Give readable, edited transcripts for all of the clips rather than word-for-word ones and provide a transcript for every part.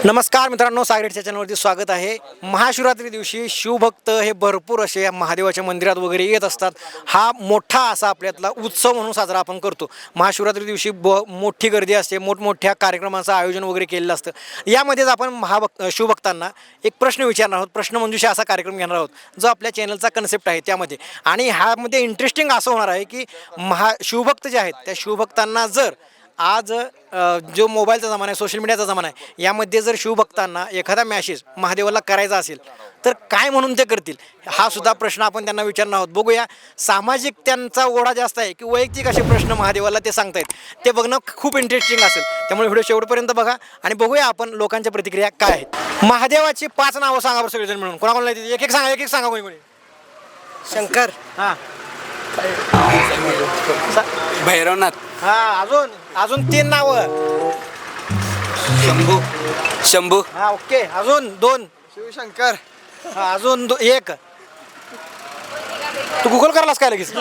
नमस्कार मित्रांनो, सागरेटच्या चॅनलवरती स्वागत आहे. महाशिवरात्री दिवशी शिवभक्त हे भरपूर असे महादेवाच्या मंदिरात वगैरे येत असतात. हा मोठा असा आपल्यातला उत्सव म्हणून साजरा आपण करतो. महाशिवरात्री दिवशी मोठी गर्दी असते, मोठमोठ्या कार्यक्रमांचं आयोजन वगैरे केलेलं असतं. यामध्येच आपण शिवभक्तांना एक प्रश्न विचारणार आहोत. प्रश्नमंजुषा असा कार्यक्रम घेणार आहोत जो आपल्या चॅनलचा कन्सेप्ट आहे त्यामध्ये. आणि ह्यामध्ये इंटरेस्टिंग असं होणार आहे की शिवभक्त जे आहेत त्या शिवभक्तांना जर आज जो मोबाईलचा जमाना आहे, सोशल मीडियाचा जमाना आहे, यामध्ये जर शिवभक्तांना एखादा मॅसेज महादेवाला करायचा असेल तर काय म्हणून ते करतील, हा सुद्धा प्रश्न आपण त्यांना विचारणार आहोत. बघूया सामाजिक त्यांचा ओढा जास्त आहे की वैयक्तिक असे प्रश्न महादेवाला ते सांगतायत, ते बघणं खूप इंटरेस्टिंग असेल. त्यामुळे व्हिडिओ शेवटपर्यंत बघा आणि बघूया आपण लोकांच्या प्रतिक्रिया काय आहेत. महादेवाची 5 नावं सांगा बरं सगळेजण मिळून. कोणाकोणाला येते? एक एक सांगा कोणी कोणी. शंकर, हां, भैरवनाथ, अजून 3 नावं. शंभू, हा, ओके. अजून 2. शिवशंकर, हा, अजून 1. तू गुगल करायलास काय लगेच?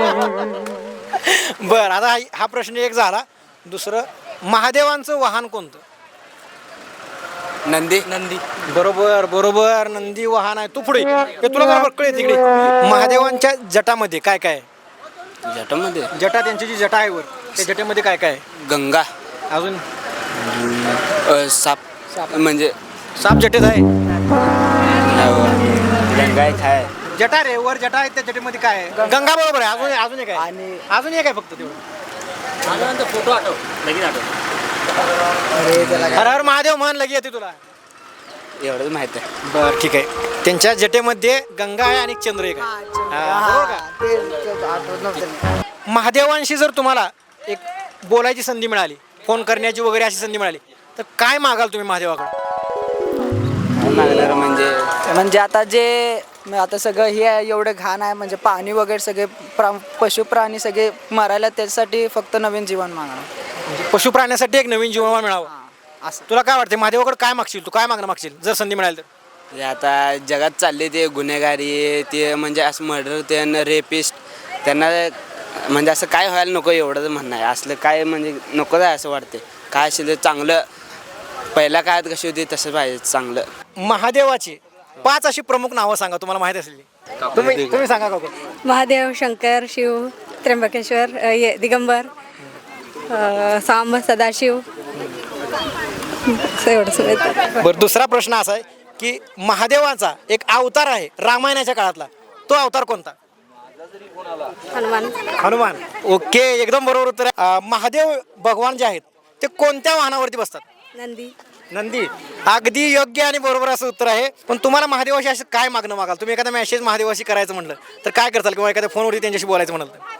बर, आता हा प्रश्न एक झाला. दुसरं, महादेवांचं वाहन कोणतं? नंदी. बरोबर, नंदी वाहन आहे. तू पुढे हे तुला बरोबर कळेल. तिकडे महादेवांच्या जटामध्ये काय काय आहे? जटामध्ये जटा, त्यांची जी जटा आहे वर, त्या जटेमध्ये काय काय आहे? गंगा, अजून साप म्हणजे साप जटेत आहे. गंगा एक आहे. जटा रे, वर जटा आहे, त्या जटेमध्ये काय आहे? गंगा बरोबर आहे. अजून एक आहे. अजून एक आहे फक्त तेवढं. फोटो आठव. हर हर महादेव म्हण लगी येते तुला. एवढंच माहित आहे. बर, ठीक आहे. त्यांच्या जटेमध्ये गंगा आहे आणि चंद्र एक आहे. बरोबर का? महादेवांशी जर तुम्हाला एक बोलायची संधी मिळाली, फोन करण्याची वगैरे अशी संधी मिळाली, तर काय मागाल तुम्ही महादेवाकडे? मागणार म्हणजे आता सगळं हे आहे, एवढं घाण आहे, म्हणजे पाणी वगैरे सगळे पशु प्राणी सगळे मरायला, त्याच्यासाठी फक्त नवीन जीवन मागणार. म्हणजे पशुप्राण्यासाठी एक नवीन जीवन मिळावं असं तुला काय वाटते? महादेवाकडे काय मागशील तू? काय मागणं मागशील जर संधी मिळाली तर? आता जगात चालले ते गुन्हेगारी, ते म्हणजे असं मर्डर, ते रेपिस्ट, त्यांना म्हणजे असं काय व्हायला नको एवढंच म्हणणं आहे. असलं काय म्हणजे नको आहे असं वाटते. काय असेल चांगलं पहिल्या काळात कशी होती तसं पाहिजे चांगलं. महादेवाची 5 अशी प्रमुख नावं सांगा तुम्हाला माहिती असलेली. तुम्ही सांगा का? महादेव, शंकर, शिव, त्र्यंबकेश्वर, दिगंबर, सांब, सदाशिव. बरं, दुसरा प्रश्न असा आहे की महादेवाचा एक अवतार आहे रामायणाच्या काळातला, तो अवतार कोणता? हनुमान. ओके, एकदम बरोबर उत्तर आहे. महादेव भगवान जे आहेत ते कोणत्या वाहनावरती बसतात? नंदी. अगदी योग्य आणि बरोबर असं उत्तर आहे. पण तुम्हाला महादेवाशी असं काय मागणं मागाल? तुम्ही एखादा मेसेज महादेवाशी करायचं म्हटलं तर काय करताल, किंवा एखाद्या फोनवरती त्यांच्याशी बोलायचं म्हणाल तर?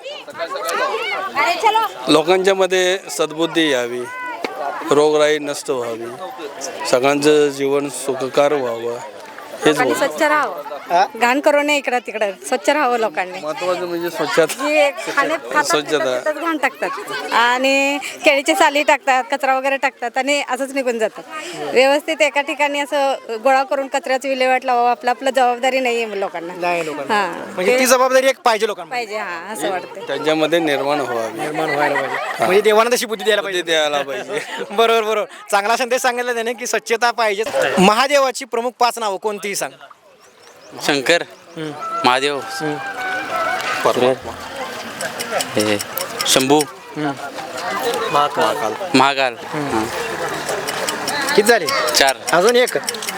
लोकांच्या मध्ये सद्बुद्धी यावी, रोगराई नष्ट व्हावी, सगळ्यांचं जीवन सुखकर व्हावं, हेच स्वच्छ राहावं, घाण करू नये इकडं तिकडं, स्वच्छ राहावं लोकांनी. महत्वाचं म्हणजे स्वच्छता. स्वच्छता घाण टाकतात आणि केळीची साली टाकतात, कचरा वगैरे टाकतात आणि असंच निघून जातात. व्यवस्थित एका ठिकाणी असं गोळा करून कचऱ्याची विल्हेवाट लावावं, आपलं जबाबदारी नाही आहे लोकांना. म्हणजे ती जबाबदारी एक पाहिजे लोकांना. पाहिजे, हा, असं वाटतं. त्यांच्यामध्ये निर्माण व्हावी, व्हायला पाहिजे. म्हणजे देवानं तशी बुद्धी द्यायला द्यायला पाहिजे. बरोबर. चांगला संदेश सांगितला त्याने की स्वच्छता पाहिजे. महादेवाची प्रमुख 5 नावं कोणतीही सांग. शंकर, महादेव, शंभू, महाकाल. किती झाले? 4. अजून एक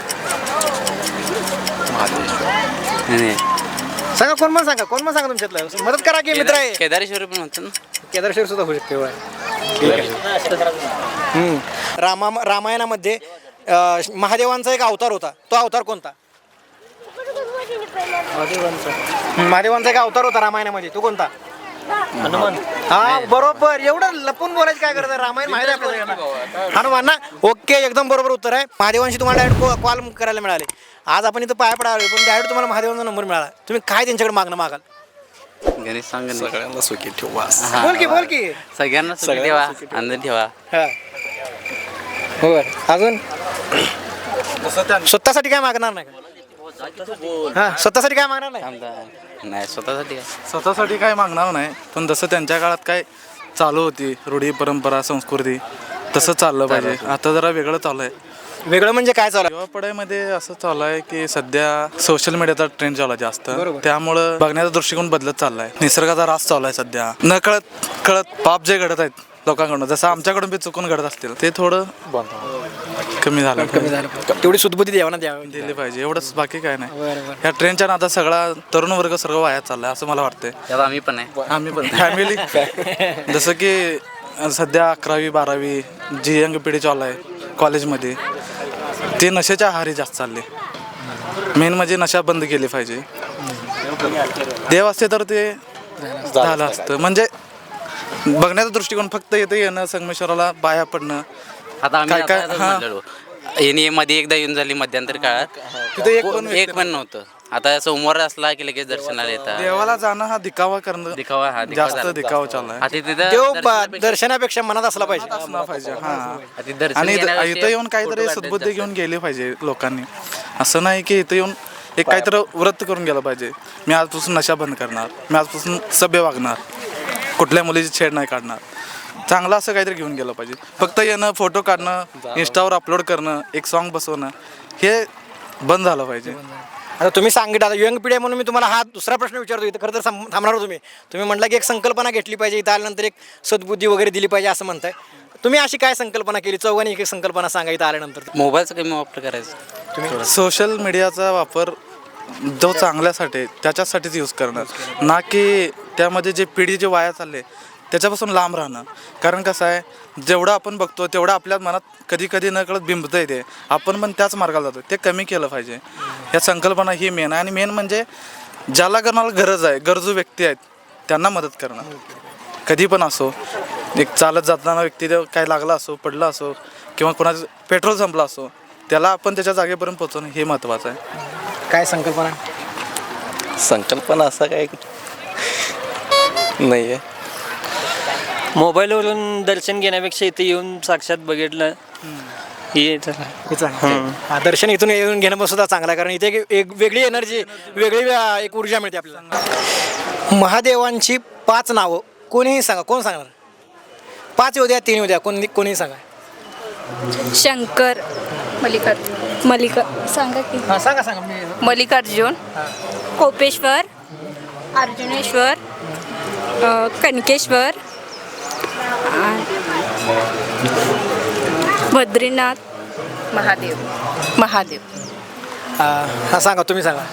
सांगा. कोण पण सांगा तुमच्यातलं. मदत करा की मित्र आहे. केदारेश्वर पण म्हणतात ना. केदारेश्वर सुद्धा होऊ शकते. रामायणामध्ये महादेवांचा एक अवतार होता, तो अवतार कोणता? महादेवांचा एक अवतार होता रामायणामध्ये, तो कोणता? हनुमान. हा, बरोबर. एवढं लपून बोलायचं काय करतं? रामायण माहिती आहे आपल्याला. हनुमान ना. ओके, एकदम बरोबर उत्तर आहे. महादेवांशी तुम्हाला डायरेक्ट कॉल करायला मिळाले. आज आपण इथं पाया पडावे, पण डायरेक्ट तुम्हाला महादेवांचा नंबर मिळाला. तुम्ही काय त्यांच्याकडे मागणं मागाल? गणेश सांग, सगळ्यांना सुखी ठेवा. बोल की. सगळ्यांना सुखी ठेवा, आनंद ठेवा. हो. अजून स्वतःसाठी काय मागणार नाही का? स्वतःसाठी काय मागणार नाही? नाही, स्वतःसाठी काय मागणार नाही, पण जसं त्यांच्या काळात काय चालू होती रूढी परंपरा संस्कृती, तसं चाललं पाहिजे. आता जरा वेगळं चालू आहे. वेगळं म्हणजे काय चालू आहे? युवा पिढीमध्ये असं चालू आहे की सध्या सोशल मीडियाचा ट्रेंड चालू आहे जास्त, त्यामुळं बघण्याचा दृष्टिकोन बदलत चाललाय. निसर्गाचा ऱ्हास चालू आहे सध्या. न कळत पाप जे घडत आहेत लोकांकडून, जसं आमच्याकडून बी चुकून घडत असतील, ते थोडं कमी झालं तेवढी सुदबुद्धी द्यावा ना द्यावी. दिली पाहिजे, एवढंच. बाकी काय नाही. ह्या ट्रेंडच्या नादात सगळा तरुण वर्ग सर्व वायात चाललाय असं मला वाटतंय. त्यात आम्ही पण आहे. आम्ही पण फॅमिली जसं की सध्या 11वी 12वी जी यंग पिढी चालू आहे कॉलेजमध्ये, ते नशेच्या आहारी जास्त चालले. मेन म्हणजे नशा बंद केली पाहिजे. देव असते तर ते झालं असतं. म्हणजे बघण्याचा दृष्टिकोन फक्त येतं येणं, संगमेश्वराला बाया पडणं. आता आम्ही काय- काय- आता हां. म्हणलेलो. यांनी मध्ये एकदा येऊन झाली मध्यंतरी काळात, तिथे एक पण नव्हतं. आता सोमवार असला की लगेच दर्शनाला येतात. देवाला जाणं हा दिखावा करणं, दिखावा जास्त झाला. दिखावा चालू आहे. आता तिथं देव दर्शनापेक्षा- दर्शनापेक्षा मनात असला पाहिजे. असला पाहिजे. आता हा. ते दर्शन आणि घेण्यापेक्षा इथं येऊन काहीतरी फोटो काढण्यात सद्बुद्धी जास्त. घेऊन गेले पाहिजे लोकांनी. असं नाही की इथं येऊन एक काहीतरी व्रत करून गेलं पाहिजे. मी आजपासून नशा बंद करणार, मी आजपासून सभ्य वागणार, कुठल्या मुलीची छेड नाही काढणार. चांगलं असं काहीतरी घेऊन गेलं पाहिजे. फक्त येणं, फोटो काढणं, इंस्टावर अपलोड करणं, एक सॉन्ग बसवणं, हे बंद झालं पाहिजे. आता तुम्ही सांगितलं, आता यंग पिढी आहे म्हणून मी तुम्हाला हा दुसरा प्रश्न विचारतो. इथं खरं तर थांबणार तुम्ही म्हटलं की एक संकल्पना घेतली पाहिजे, इथं आल्यानंतर एक सद्बुद्धी वगैरे दिली पाहिजे असं म्हणताय. तुम्ही अशी काय संकल्पना केली? चौघांनी एक संकल्पना सांगा इथं आल्यानंतर. मोबाईलचा कमी वापर करायचा. सोशल मीडियाचा वापर जो चांगल्यासाठी आहे, त्याच्यासाठीच यूज करणार, ना की त्यामध्ये जे पिढी जे वाया चालले त्याच्यापासून लांब राहणं. कारण कसं आहे, जेवढं आपण बघतो तेवढं आपल्या मनात कधी कधी न कळत बिंबतं येते, आपण पण त्याच मार्गाला जातो. ते कमी केलं पाहिजे. ह्या संकल्पना ही मेन आहे. आणि मेन म्हणजे ज्याला करण्याला गरज आहे, गरजू व्यक्ती आहेत, त्यांना मदत करणं. कधी पण असो, एक चालत जाताना व्यक्ती काय लागला असो, पडला असो, किंवा कोणाचं पेट्रोल संपला असो, त्याला आपण त्याच्या जागेपर्यंत पोहोचवणं हे महत्त्वाचं आहे. काय संकल्पना? संकल्पना असा काय नाही आहे. मोबाईलवरून दर्शन घेण्यापेक्षा इथे येऊन साक्षात बघितलं हे हा, दर्शन इथून येऊन घेणं पण सुद्धा चांगलं आहे. कारण इथे एक वेगळी एनर्जी, वेगळी एक ऊर्जा मिळते आपल्याला. महादेवांची 5 नावं कोणीही सांगा. कोण सांगणार? 5 येऊ द्या, 3 येऊ द्या, कोणीही सांगा. शंकर, सांगा की. हां सांगा. मल्लिकार्जुन, कोपेश्वर, अर्जुनेश्वर, कनकेश्वर, बद्रीनाथ, महादेव. हां सांगा, तुम्ही सांगा.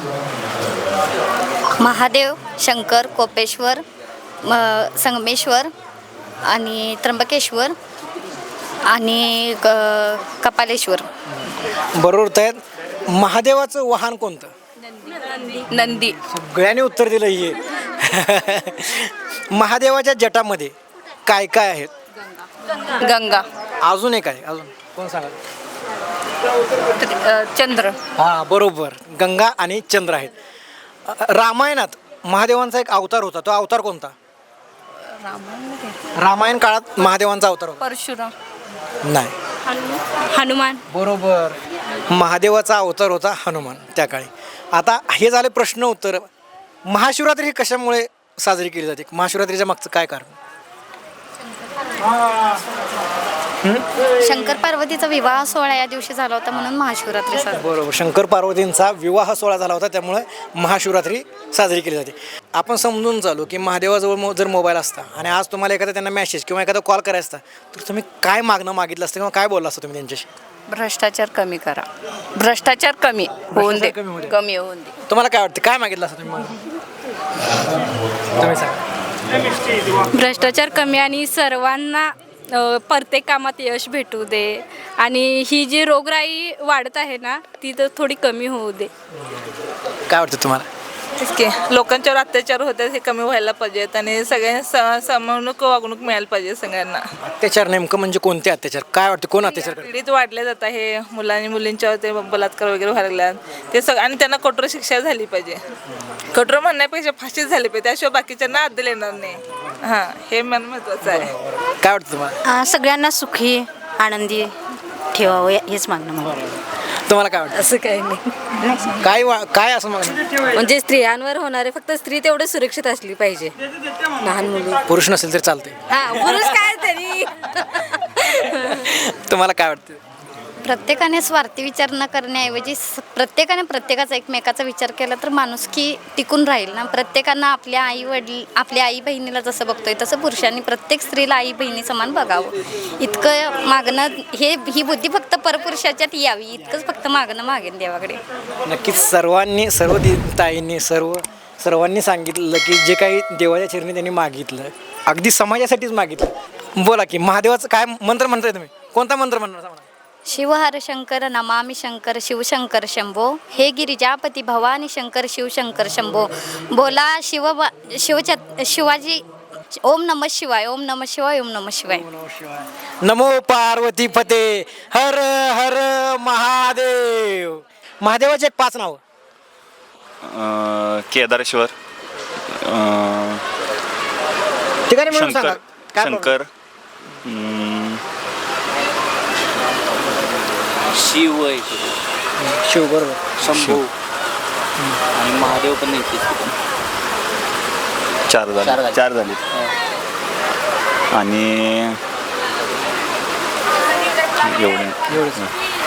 महादेव, शंकर, कोपेश्वर, संगमेश्वर आणि त्र्यंबकेश्वर आणि कपालेश्वर. बरोबर आहेत. महादेवाचं वाहन कोणतं? नंदी. सगळ्यांनी उत्तर दिलं हे. महादेवाच्या जटामध्ये काय काय आहेत? गंगा. अजून एक आहे. अजून कोण सांगा? चंद्र. हां बरोबर, गंगा आणि चंद्र आहेत. रामायणात महादेवांचा एक अवतार होता, तो अवतार कोणता? रामायण काळात महादेवांचा अवतार होता. परशुराम. नाही. हनुमान. बरोबर, महादेवाचा अवतार होता हनुमान त्या काळी. आता हे झाले प्रश्न उत्तर. महाशिवरात्री ही कशामुळे साजरी केली जाते? महाशिवरात्रीच्या मागचं काय कारण? शंकर पार्वतीचा विवाह सोहळा या दिवशी झाला होता म्हणून महाशिवरात्री साजरी. बरोबर, शंकर पार्वतींचा विवाह सोहळा झाला होता, त्यामुळे महाशिवरात्री साजरी केली जाते. आपण समजून चालू की महादेवाजवळ जर मोबाईल असता आणि आज तुम्हाला एखादा त्यांना मेसेज किंवा एखादा कॉल करायचा असता, तर तुम्ही काय मागणं मागितलं असतं किंवा काय बोलला असता तुम्ही त्यांच्याशी? भ्रष्टाचार कमी करा. भ्रष्टाचार कमी होऊन दे. कमी होऊ दे. कमी होऊन दे. तुम्हाला काय वाटतं, काय मागितलं असतं तुम्ही? तुम्ही सांगा. भ्रष्टाचार कमी आणि सर्वांना प्रत्येक कामात यश भेटू दे आणि ही जी रोगराई वाढत आहे ना ती तर थोडी कमी होऊ दे. काय वाटतं तुम्हाला? तेच की लोकांच्यावर अत्याचार होतात हे कमी व्हायला पाहिजेत आणि सगळ्यांना समानक वागणूक मिळायला पाहिजे सगळ्यांना. अत्याचार नेमकं म्हणजे कोणते अत्याचार? काय वाटतं कोण अत्याचार करतं? पीडित वाढले जात आहे मुलांनी मुलींच्यावर ते बलात्कार वगैरे व्हायला लागल्यात ते सगळं आणि त्यांना कठोर शिक्षा झाली पाहिजे. कठोर म्हणण्यापेक्षा फाशीच झाली पाहिजे, त्याशिवाय बाकीच्यांना अद्दल येणार नाही. हां हे मन महत्त्वाचं आहे. काय वाटतं तुम्हाला? सगळ्यांना सुखी आनंदी ठेवावं हेच मागणं मला. तुम्हाला काय वाटतं? असं काही नाही, काय असं मागणं? म्हणजे स्त्रियांवर होणारे फक्त स्त्री तेवढे सुरक्षित असली पाहिजे. लहान मुली, पुरुष नसेल तरी चालते. हा पुरुष काय तरी. तुम्हाला काय वाटतं? प्रत्येकाने स्वार्थी विचार न करण्याऐवजी प्रत्येकाने प्रत्येकाचा एकमेकाचा विचार केला तर माणुसकी टिकून राहील ना. प्रत्येकानं आपल्या आई वडील आपल्या आई बहिणीला जसं बघतोय तसं पुरुषांनी प्रत्येक स्त्रीला आई बहिणी समान बघावं. इतकं मागणं ही बुद्धी फक्त परपुरुषाच्यात यावी इतकंच फक्त मागणं मागेन देवाकडे. नक्कीच सर्व ताईंनी सर्वांनी सांगितलं की जे काही देवाच्या चरणी त्यांनी मागितलं अगदी समाजासाठीच मागितलं. बोला की महादेवाचं काय मंत्र म्हणताय तुम्ही? कोणता मंत्र म्हणणार सांगा? शिव हर शंकर नमामि शंकर शिवशंकर शंभो हे गिरिजापती भवानी शंकर शिवशंकर शंभो. बोला शिवाजी. ओम नमः शिवाय ओम नमः शिवाय ओम नमः शिवाय. नमो पार्वती पते हर हर महादेव. महादेवाचे एक 5 नाव. केदारेश्वर, ठिकाणी म्हणून सांगा. काय शंकर, शिव आहे, शिव बरोबर. शंभू आणि महादेव पण नाही. 4 झाले आणि एवढे.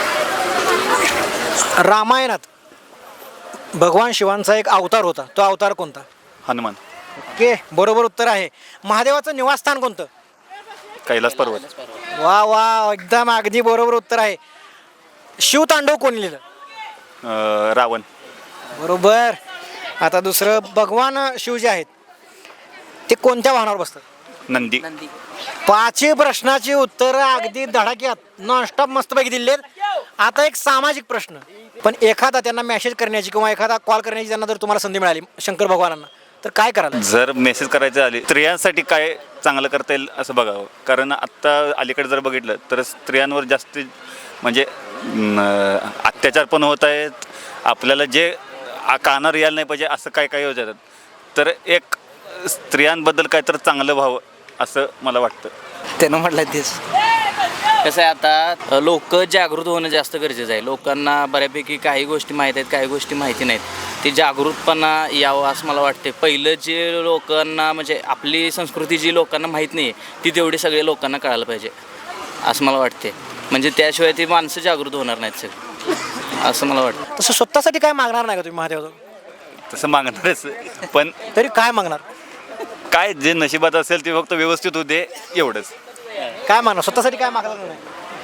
रामायणात भगवान शिवांचा एक अवतार होता. तो अवतार कोणता? हनुमान. ओके, बरोबर उत्तर आहे. महादेवाचं निवासस्थान कोणतं? कैलास पर्वत. वा वा, एकदम अगदी बरोबर उत्तर आहे. शिवतांडव कोणी लिहिलं? रावण. बरोबर. आता दुसरं, भगवान शिव जे आहेत ते कोणत्या वाहनावर बसतात? नंदी. 5 प्रश्नाची उत्तरं अगदी धडाक्यात नॉनस्टॉप मस्तपैकी दिलेत. आता एक सामाजिक प्रश्न, पण एखादा त्यांना मेसेज करण्याची किंवा एखादा कॉल करण्याची त्यांना जर तुम्हाला संधी मिळाली शंकर भगवानांना तर काय कराल? जर मेसेज करायचे आले स्त्रियांसाठी काय चांगलं करता येईल असं बघावं. कारण आत्ता अलीकडे जर बघितलं तर स्त्रियांवर जास्त म्हणजे अत्याचार पण होत आहेत. आपल्याला जे कानावर यायला नाही पाहिजे असं काय काय होत आहेत. तर एक स्त्रियांबद्दल काय तर चांगलं व्हावं असं मला वाटतं. त्यानं म्हटलं तेच. कसं आहे, आता लोक जागृत होणं जास्त गरजेचं आहे. लोकांना बऱ्यापैकी काही गोष्टी माहीत आहेत, काही गोष्टी माहिती नाहीत. ते जागृतपणा यावं असं मला वाटते. पहिलं जे लोकांना म्हणजे आपली संस्कृती जी लोकांना माहीत नाही ती तेवढी सगळ्या लोकांना कळायला पाहिजे असं मला वाटते. म्हणजे त्याशिवाय ती माणसं जागृत होणार नाहीत सगळी असं मला वाटतं. तसं स्वतःसाठी काय मागणार नाही का तुम्ही महादेवाचं? तसं मागणारच, पण तरी काय मागणार? काय जे नशिबात असेल ते फक्त व्यवस्थित होते एवढंच. काय मागणार? स्वतःसाठी काय मागणार नाही?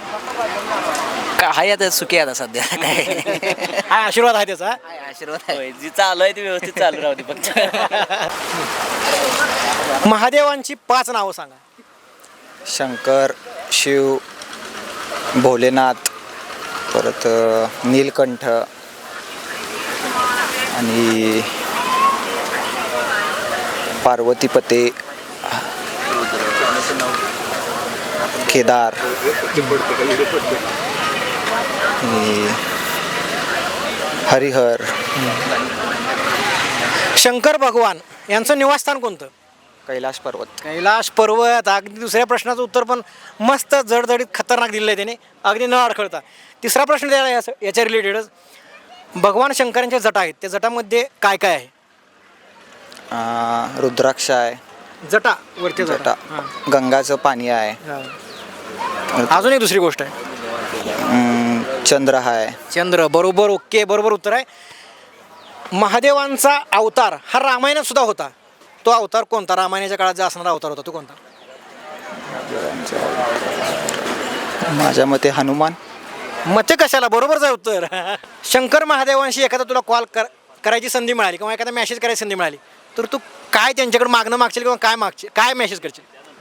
काय आता सुखी आता सध्या काय हा आशीर्वाद आहे त्याचा. आशीर्वाद आहे. जी चालू आहे ती व्यवस्थित चालू राहते फक्त. महादेवांची 5 नावं सांगा. शंकर, शिव, भोलेनाथ, परत नीलकंठ आणि पार्वतीपते, केदार, हरिहर. शंकर भगवान यांचं निवासस्थान कोणतं? कैलास पर्वत. कैलास पर्वत. अगदी दुसऱ्या प्रश्नाचं उत्तर पण मस्त जडजडीत खतरनाक दिलं आहे त्याने, अगदी न अडखळता. तिसरा प्रश्न द्यायला याच्या रिलेटेडच. भगवान शंकरांच्या जटा आहेत, त्या जटामध्ये काय काय आहे? रुद्राक्ष आहे, जटा वरती जटा, गंगाचं पाणी आहे, अजून एक दुसरी गोष्ट आहे, चंद्र आहे. चंद्र. बरोबर. ओके, बरोबर उत्तर आहे. महादेवांचा अवतार हा रामायणात सुद्धा होता. तो अवतार कोणता? रामायणाच्या काळात जो असणारा अवतार होता तो कोणता? माझ्या मते हनुमान. मते कशाला? बरोबरच आहे उत्तर. शंकर महादेवांशी एखादा तुला कॉल करायची संधी मिळाली किंवा एखादा मेसेज करायची संधी मिळाली तर तू काय त्यांच्याकडे मागणं मागशील किंवा काय मेसेज करशील?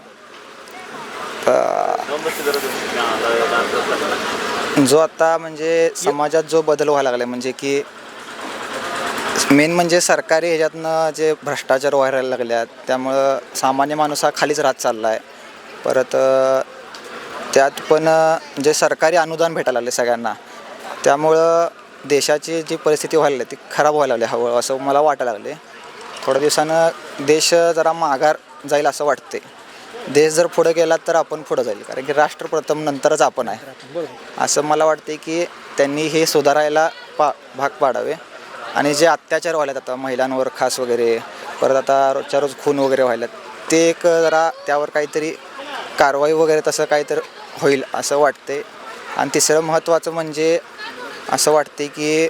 जो आता म्हणजे समाजात जो बदल व्हायला लागला म्हणजे की मेन म्हणजे सरकारी ह्याच्यातनं जे भ्रष्टाचार व्हायला लागल्यात त्यामुळं सामान्य माणूस हा खालीच राहत चालला आहे. परत त्यात पण जे सरकारी अनुदान भेटायला लागले सगळ्यांना त्यामुळं देशाची जी परिस्थिती व्हायला लागली ती खराब व्हायला लागली हळूहळू असं मला वाटायला लागले. थोड्या दिवसानं देश जरा माघार जाईल असं वाटते. देश जर पुढं गेला तर आपण पुढं जाईल कारण की राष्ट्र प्रथम नंतरच आपण आहे असं मला वाटते की त्यांनी हे सुधारायला भाग पाडावे. आणि जे अत्याचार व्हायलात आता महिलांवर खास वगैरे परत आता रोजच्या रोज खून वगैरे व्हायलात ते एक जरा त्यावर काहीतरी कारवाई वगैरे तसं काहीतरी होईल असं वाटते. आणि तिसरं महत्त्वाचं म्हणजे असं वाटते की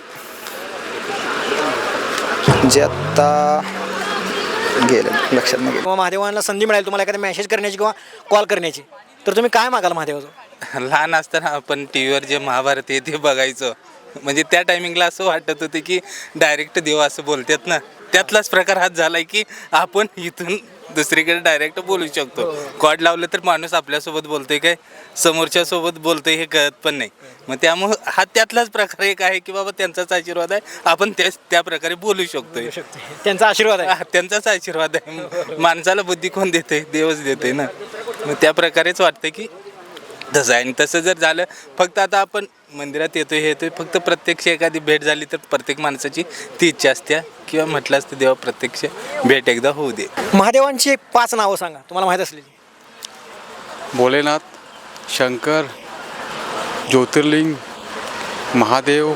जे आत्ता गेलं लक्षात नाही गेलं. किंवा महादेवांना संधी मिळाली तुम्हाला एखादा मेसेज करण्याची किंवा कॉल करण्याची, तर तुम्ही काय मागाल महादेवाचं? लहान असताना आपण टी व्हीवर जे महाभारत आहे ते बघायचो. म्हणजे त्या टायमिंगला असं वाटत होतं की डायरेक्ट देव असं बोलतात ना, त्यातलाच प्रकार हाच झाला आहे की आपण इथून दुसरीकडे डायरेक्ट बोलू शकतो. कॉड लावलं तर माणूस आपल्यासोबत बोलतोय काय समोरच्या सोबत बोलतोय हे कळत पण नाही. मग त्यामुळं हा त्यातलाच प्रकार एक आहे की बाबा त्यांचाच आशीर्वाद आहे, आपण त्या प्रकारे बोलू शकतोय. त्यांचा आशीर्वाद आहे. त्यांचाच आशीर्वाद आहे. माणसाला बुद्धी कोण देते? देवच देते ना. मग त्या प्रकारेच वाटतं की तसं आहे. आणि तसं जर झालं, फक्त आता आपण मंदिरात येतोय हे येतोय, फक्त प्रत्यक्ष एखादी भेट झाली तर प्रत्येक माणसाची ती इच्छा असते किंवा म्हटलं असतं देवा प्रत्यक्ष भेट एकदा होऊ दे. महादेवांची 5 नावं सांगा तुम्हाला माहीत असलेली. भोलेनाथ, शंकर, ज्योतिर्लिंग, महादेव,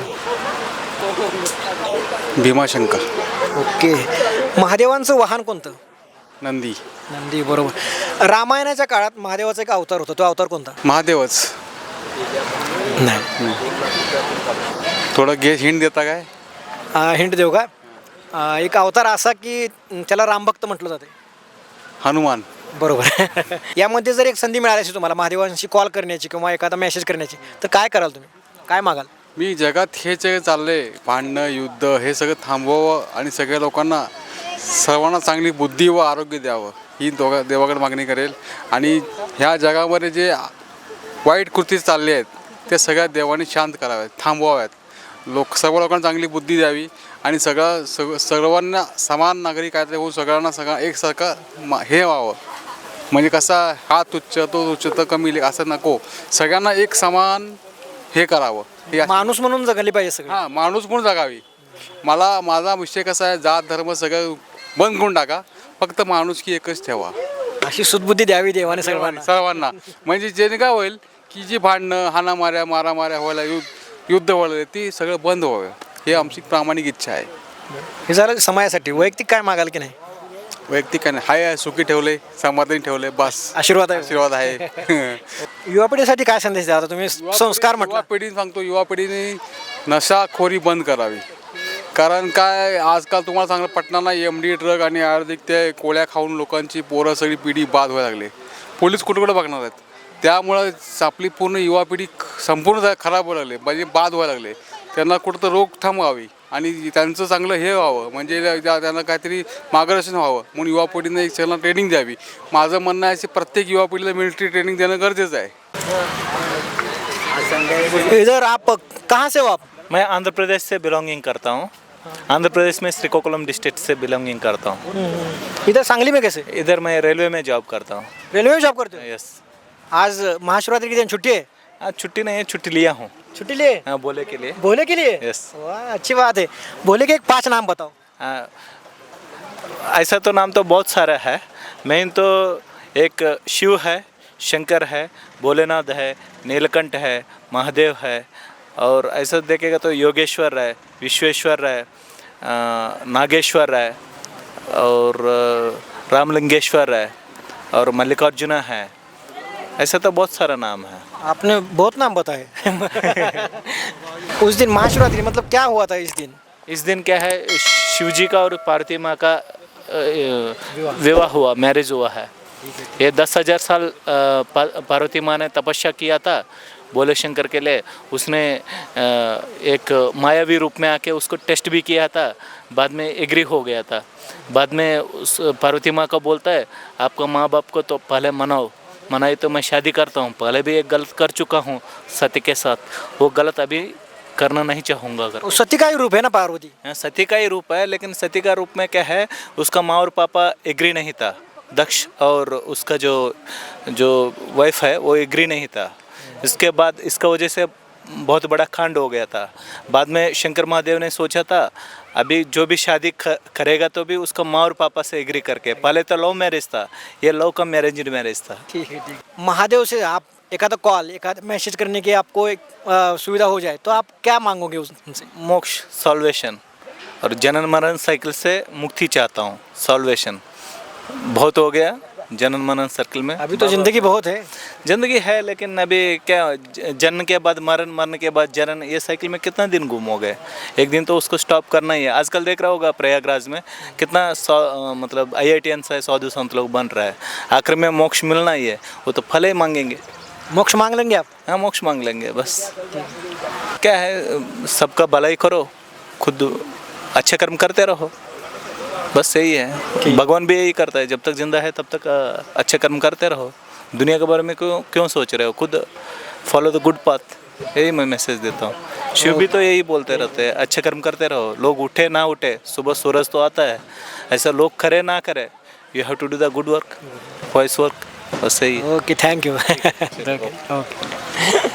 भीमाशंकर. ओके. महादेवांचं वाहन कोणतं? नंदी. नंदी, बरोबर. रामायणाच्या काळात महादेवाचा एक अवतार होता, तो अवतार कोणता? महादेवच. नाही. थोडं हिंट देता काय? हिंट देऊ का? एक अवतार असा की त्याला रामभक्त म्हटलं जाते. हनुमान. बरोबर. यामध्ये जर एक संधी मिळाली असेल तुम्हाला महादेवांशी कॉल करण्याची किंवा एखादा मेसेज करण्याची, तर काय कराल तुम्ही? काय मागाल? मी जगात हे जे चाललंय भांडणं युद्ध हे सगळं थांबवावं आणि सगळ्या लोकांना सर्वांना चांगली बुद्धी व आरोग्य द्यावं ही देवाकडे मागणी करेल. आणि ह्या जगामध्ये जे वाईट कृती चालले आहेत ते सगळ्या देवाने शांत कराव्यात, थांबवाव्यात. सर्व लोकांना चांगली बुद्धी द्यावी आणि सर्वांना समान नागरिक कायदे होऊन सगळ्यांना एकसारखं हे व्हावं. म्हणजे कसा हा तुच्छ तो तुच्छ तर कमी असं नको, सगळ्यांना एक समान हे करावं. माणूस म्हणून जगली पाहिजे सगळं. हां, माणूस म्हणून जगावी. माझा विषय कसा आहे, जात धर्म सगळं बंद करून टाका, फक्त माणुसकी एकच ठेवा. अशी सुदबुद्धी द्यावी देवाने सर्वांना. म्हणजे जेणे काय होईल की जी भांडणं हाणामाऱ्या मारामाऱ्या व्हायला युद्ध व्हायला ती सगळं बंद व्हावं, हे आमची प्रामाणिक इच्छा आहे. हे झालं समाजासाठी. वैयक्तिक काय मागाल की नाही? वैयक्तिक काय नाही, हाय सुखी ठेवले, समाधानी ठेवले, बस आशीर्वाद आहे. आशीर्वाद आहे. युवा पिढीसाठी काय संदेश द्या? आता तुम्ही संस्कार म्हटलं. युवा पिढीने सांगतो, युवा पिढीने नशाखोरी बंद करावी. कारण काय आजकाल तुम्हाला चांगलं पटणार नाही, MD ड्रग आणि आयुर्वेदिक ते कोळ्या खाऊन लोकांची पोरं सगळी पिढी बाद व्हायला लागली. पोलीस कुठे बघणार आहेत. त्यामुळं आपली पूर्ण युवा पिढी संपूर्ण खराब व्हायला लागली, म्हणजे बाद व्हायला लागले. त्यांना कुठं तर रोकथाम व्हावी आणि त्यांचं चांगलं हे व्हावं, म्हणजे त्यांना काहीतरी मार्गदर्शन व्हावं म्हणून युवा पिढीने एक त्यांना ट्रेनिंग द्यावी. माझं म्हणणं आहे की प्रत्येक युवा पिढीला मिलिटरी ट्रेनिंग देणं गरजेचं आहे. इधर आप कहाँ से हो आप? मैं आंध्र प्रदेश से बिलोंगिंग करता हूँ. आंध्र प्रदेश में श्रीकाकुलम डिस्ट्रिक्ट से बिलोंगिंग करता हूँ. इधर सांगली में कैसे? इधर मैं रेलवे में जॉब करता हूँ. रेलवे में जॉब करते हो? यस. आज महाशिवरात्रि के दिन छुट्टी है? आज छुट्टी नहीं है, छुट्टी लिया हूँ. छुट्टी लिए? हाँ, बोले के लिए. भोले के लिए? यस. वाह, अच्छी बात है. भोले के एक 5 नाम बताओ. ऐसा तो नाम तो बहुत सारा है. मेन तो एक शिव है, शंकर है, भोलेनाथ है, नीलकंठ है, महादेव है, और ऐसा देखेगा तो योगेश्वर है, विश्वेश्वर है, नागेश्वर है, और रामलिंगेश्वर है, और मल्लिकार्जुन है. ऐसा तो बहुत सारा नाम है. आपने बहुत नाम बताए. उस दिन महाशिवरात्रि मतलब क्या हुआ था इस दिन? इस दिन क्या है, शिवजी का और पार्वती माँ का विवाह हुआ, मैरिज हुआ है. ये 10,000 साल पार्वती माँ ने तपस्या किया था भोले शंकर के लिए. उसने एक मायावी रूप में आके उसको टेस्ट भी किया था, बाद में एग्री हो गया था. बाद में उस पार्वती माँ का बोलता है आपका माँ बाप को तो पहले मनाई तो मैं शादी करता हूँ. पहले भी एक गलत कर चुका हूँ सती के साथ, वो गलत अभी करना नहीं चाहूँगा. अगर सती का ही रूप है ना पार्वती? सती का ही रूप है, लेकिन सती का रूप में क्या है, उसका माँ और पापा एग्री नहीं था. दक्ष और उसका जो वाइफ है वो एग्री नहीं था. इसके बाद इसका वजह से बहुत बड़ा कांड हो गया था. बाद में शंकर महादेव ने सोचा था अभी जो भी शादी करेगा तो भी उसका माँ और पापा से एग्री करके. पहले तो लव मैरिज था, ये लव का मैरिज था. ठीक है. महादेव से आप एखादा कॉल एखादा मैसेज करने की आपको एक सुविधा हो जाए तो आप क्या मांगोगे उनसे? मोक्ष, सॉल्वेशन, और जनन मरण साइकिल से मुक्ति चाहता हूँ. सॉल्वेशन बहुत हो गया, जनन मनन सर्कल में। अभी तो जिंदगी बहुत है। जिंदगी है, लेकिन अभी क्या, जन्म के बाद मरण, मरण के बाद जनन, ये साइकिल में कितना दिन गुम हो गए। एक दिन तो उसको स्टॉप करना ही है। आजकल देख रहा होगा प्रयागराज में कितना मतलब IITians है, साधु संत लोग बन रहा है। आखिर में मोक्ष मिलना ही है, वो तो फल ही मांगेंगे। मोक्ष मांग लेंगे आप? हाँ, मोक्ष मांग लेंगे बस। क्या है, सबका भलाई करो, खुद अच्छे कर्म करते रहो, बस यही है। भगवान भी यही करता है, जब तक जिंदा है तब तक अच्छे कर्म करते रहो। दुनिया के बारे में क्यों सोच रहे हो, खुद फॉलो द गुड पाथ, यही मैं मैसेज देता हूँ। शिव भी तो यही बोलते रहते हैं, अच्छे कर्म करते रहो। लोग उठे ना उठे, सुबह सूरज तो आता है, ऐसा लोग करे ना करे, you have to do the good work, voice work, बस यही। Okay, thank you. ओके।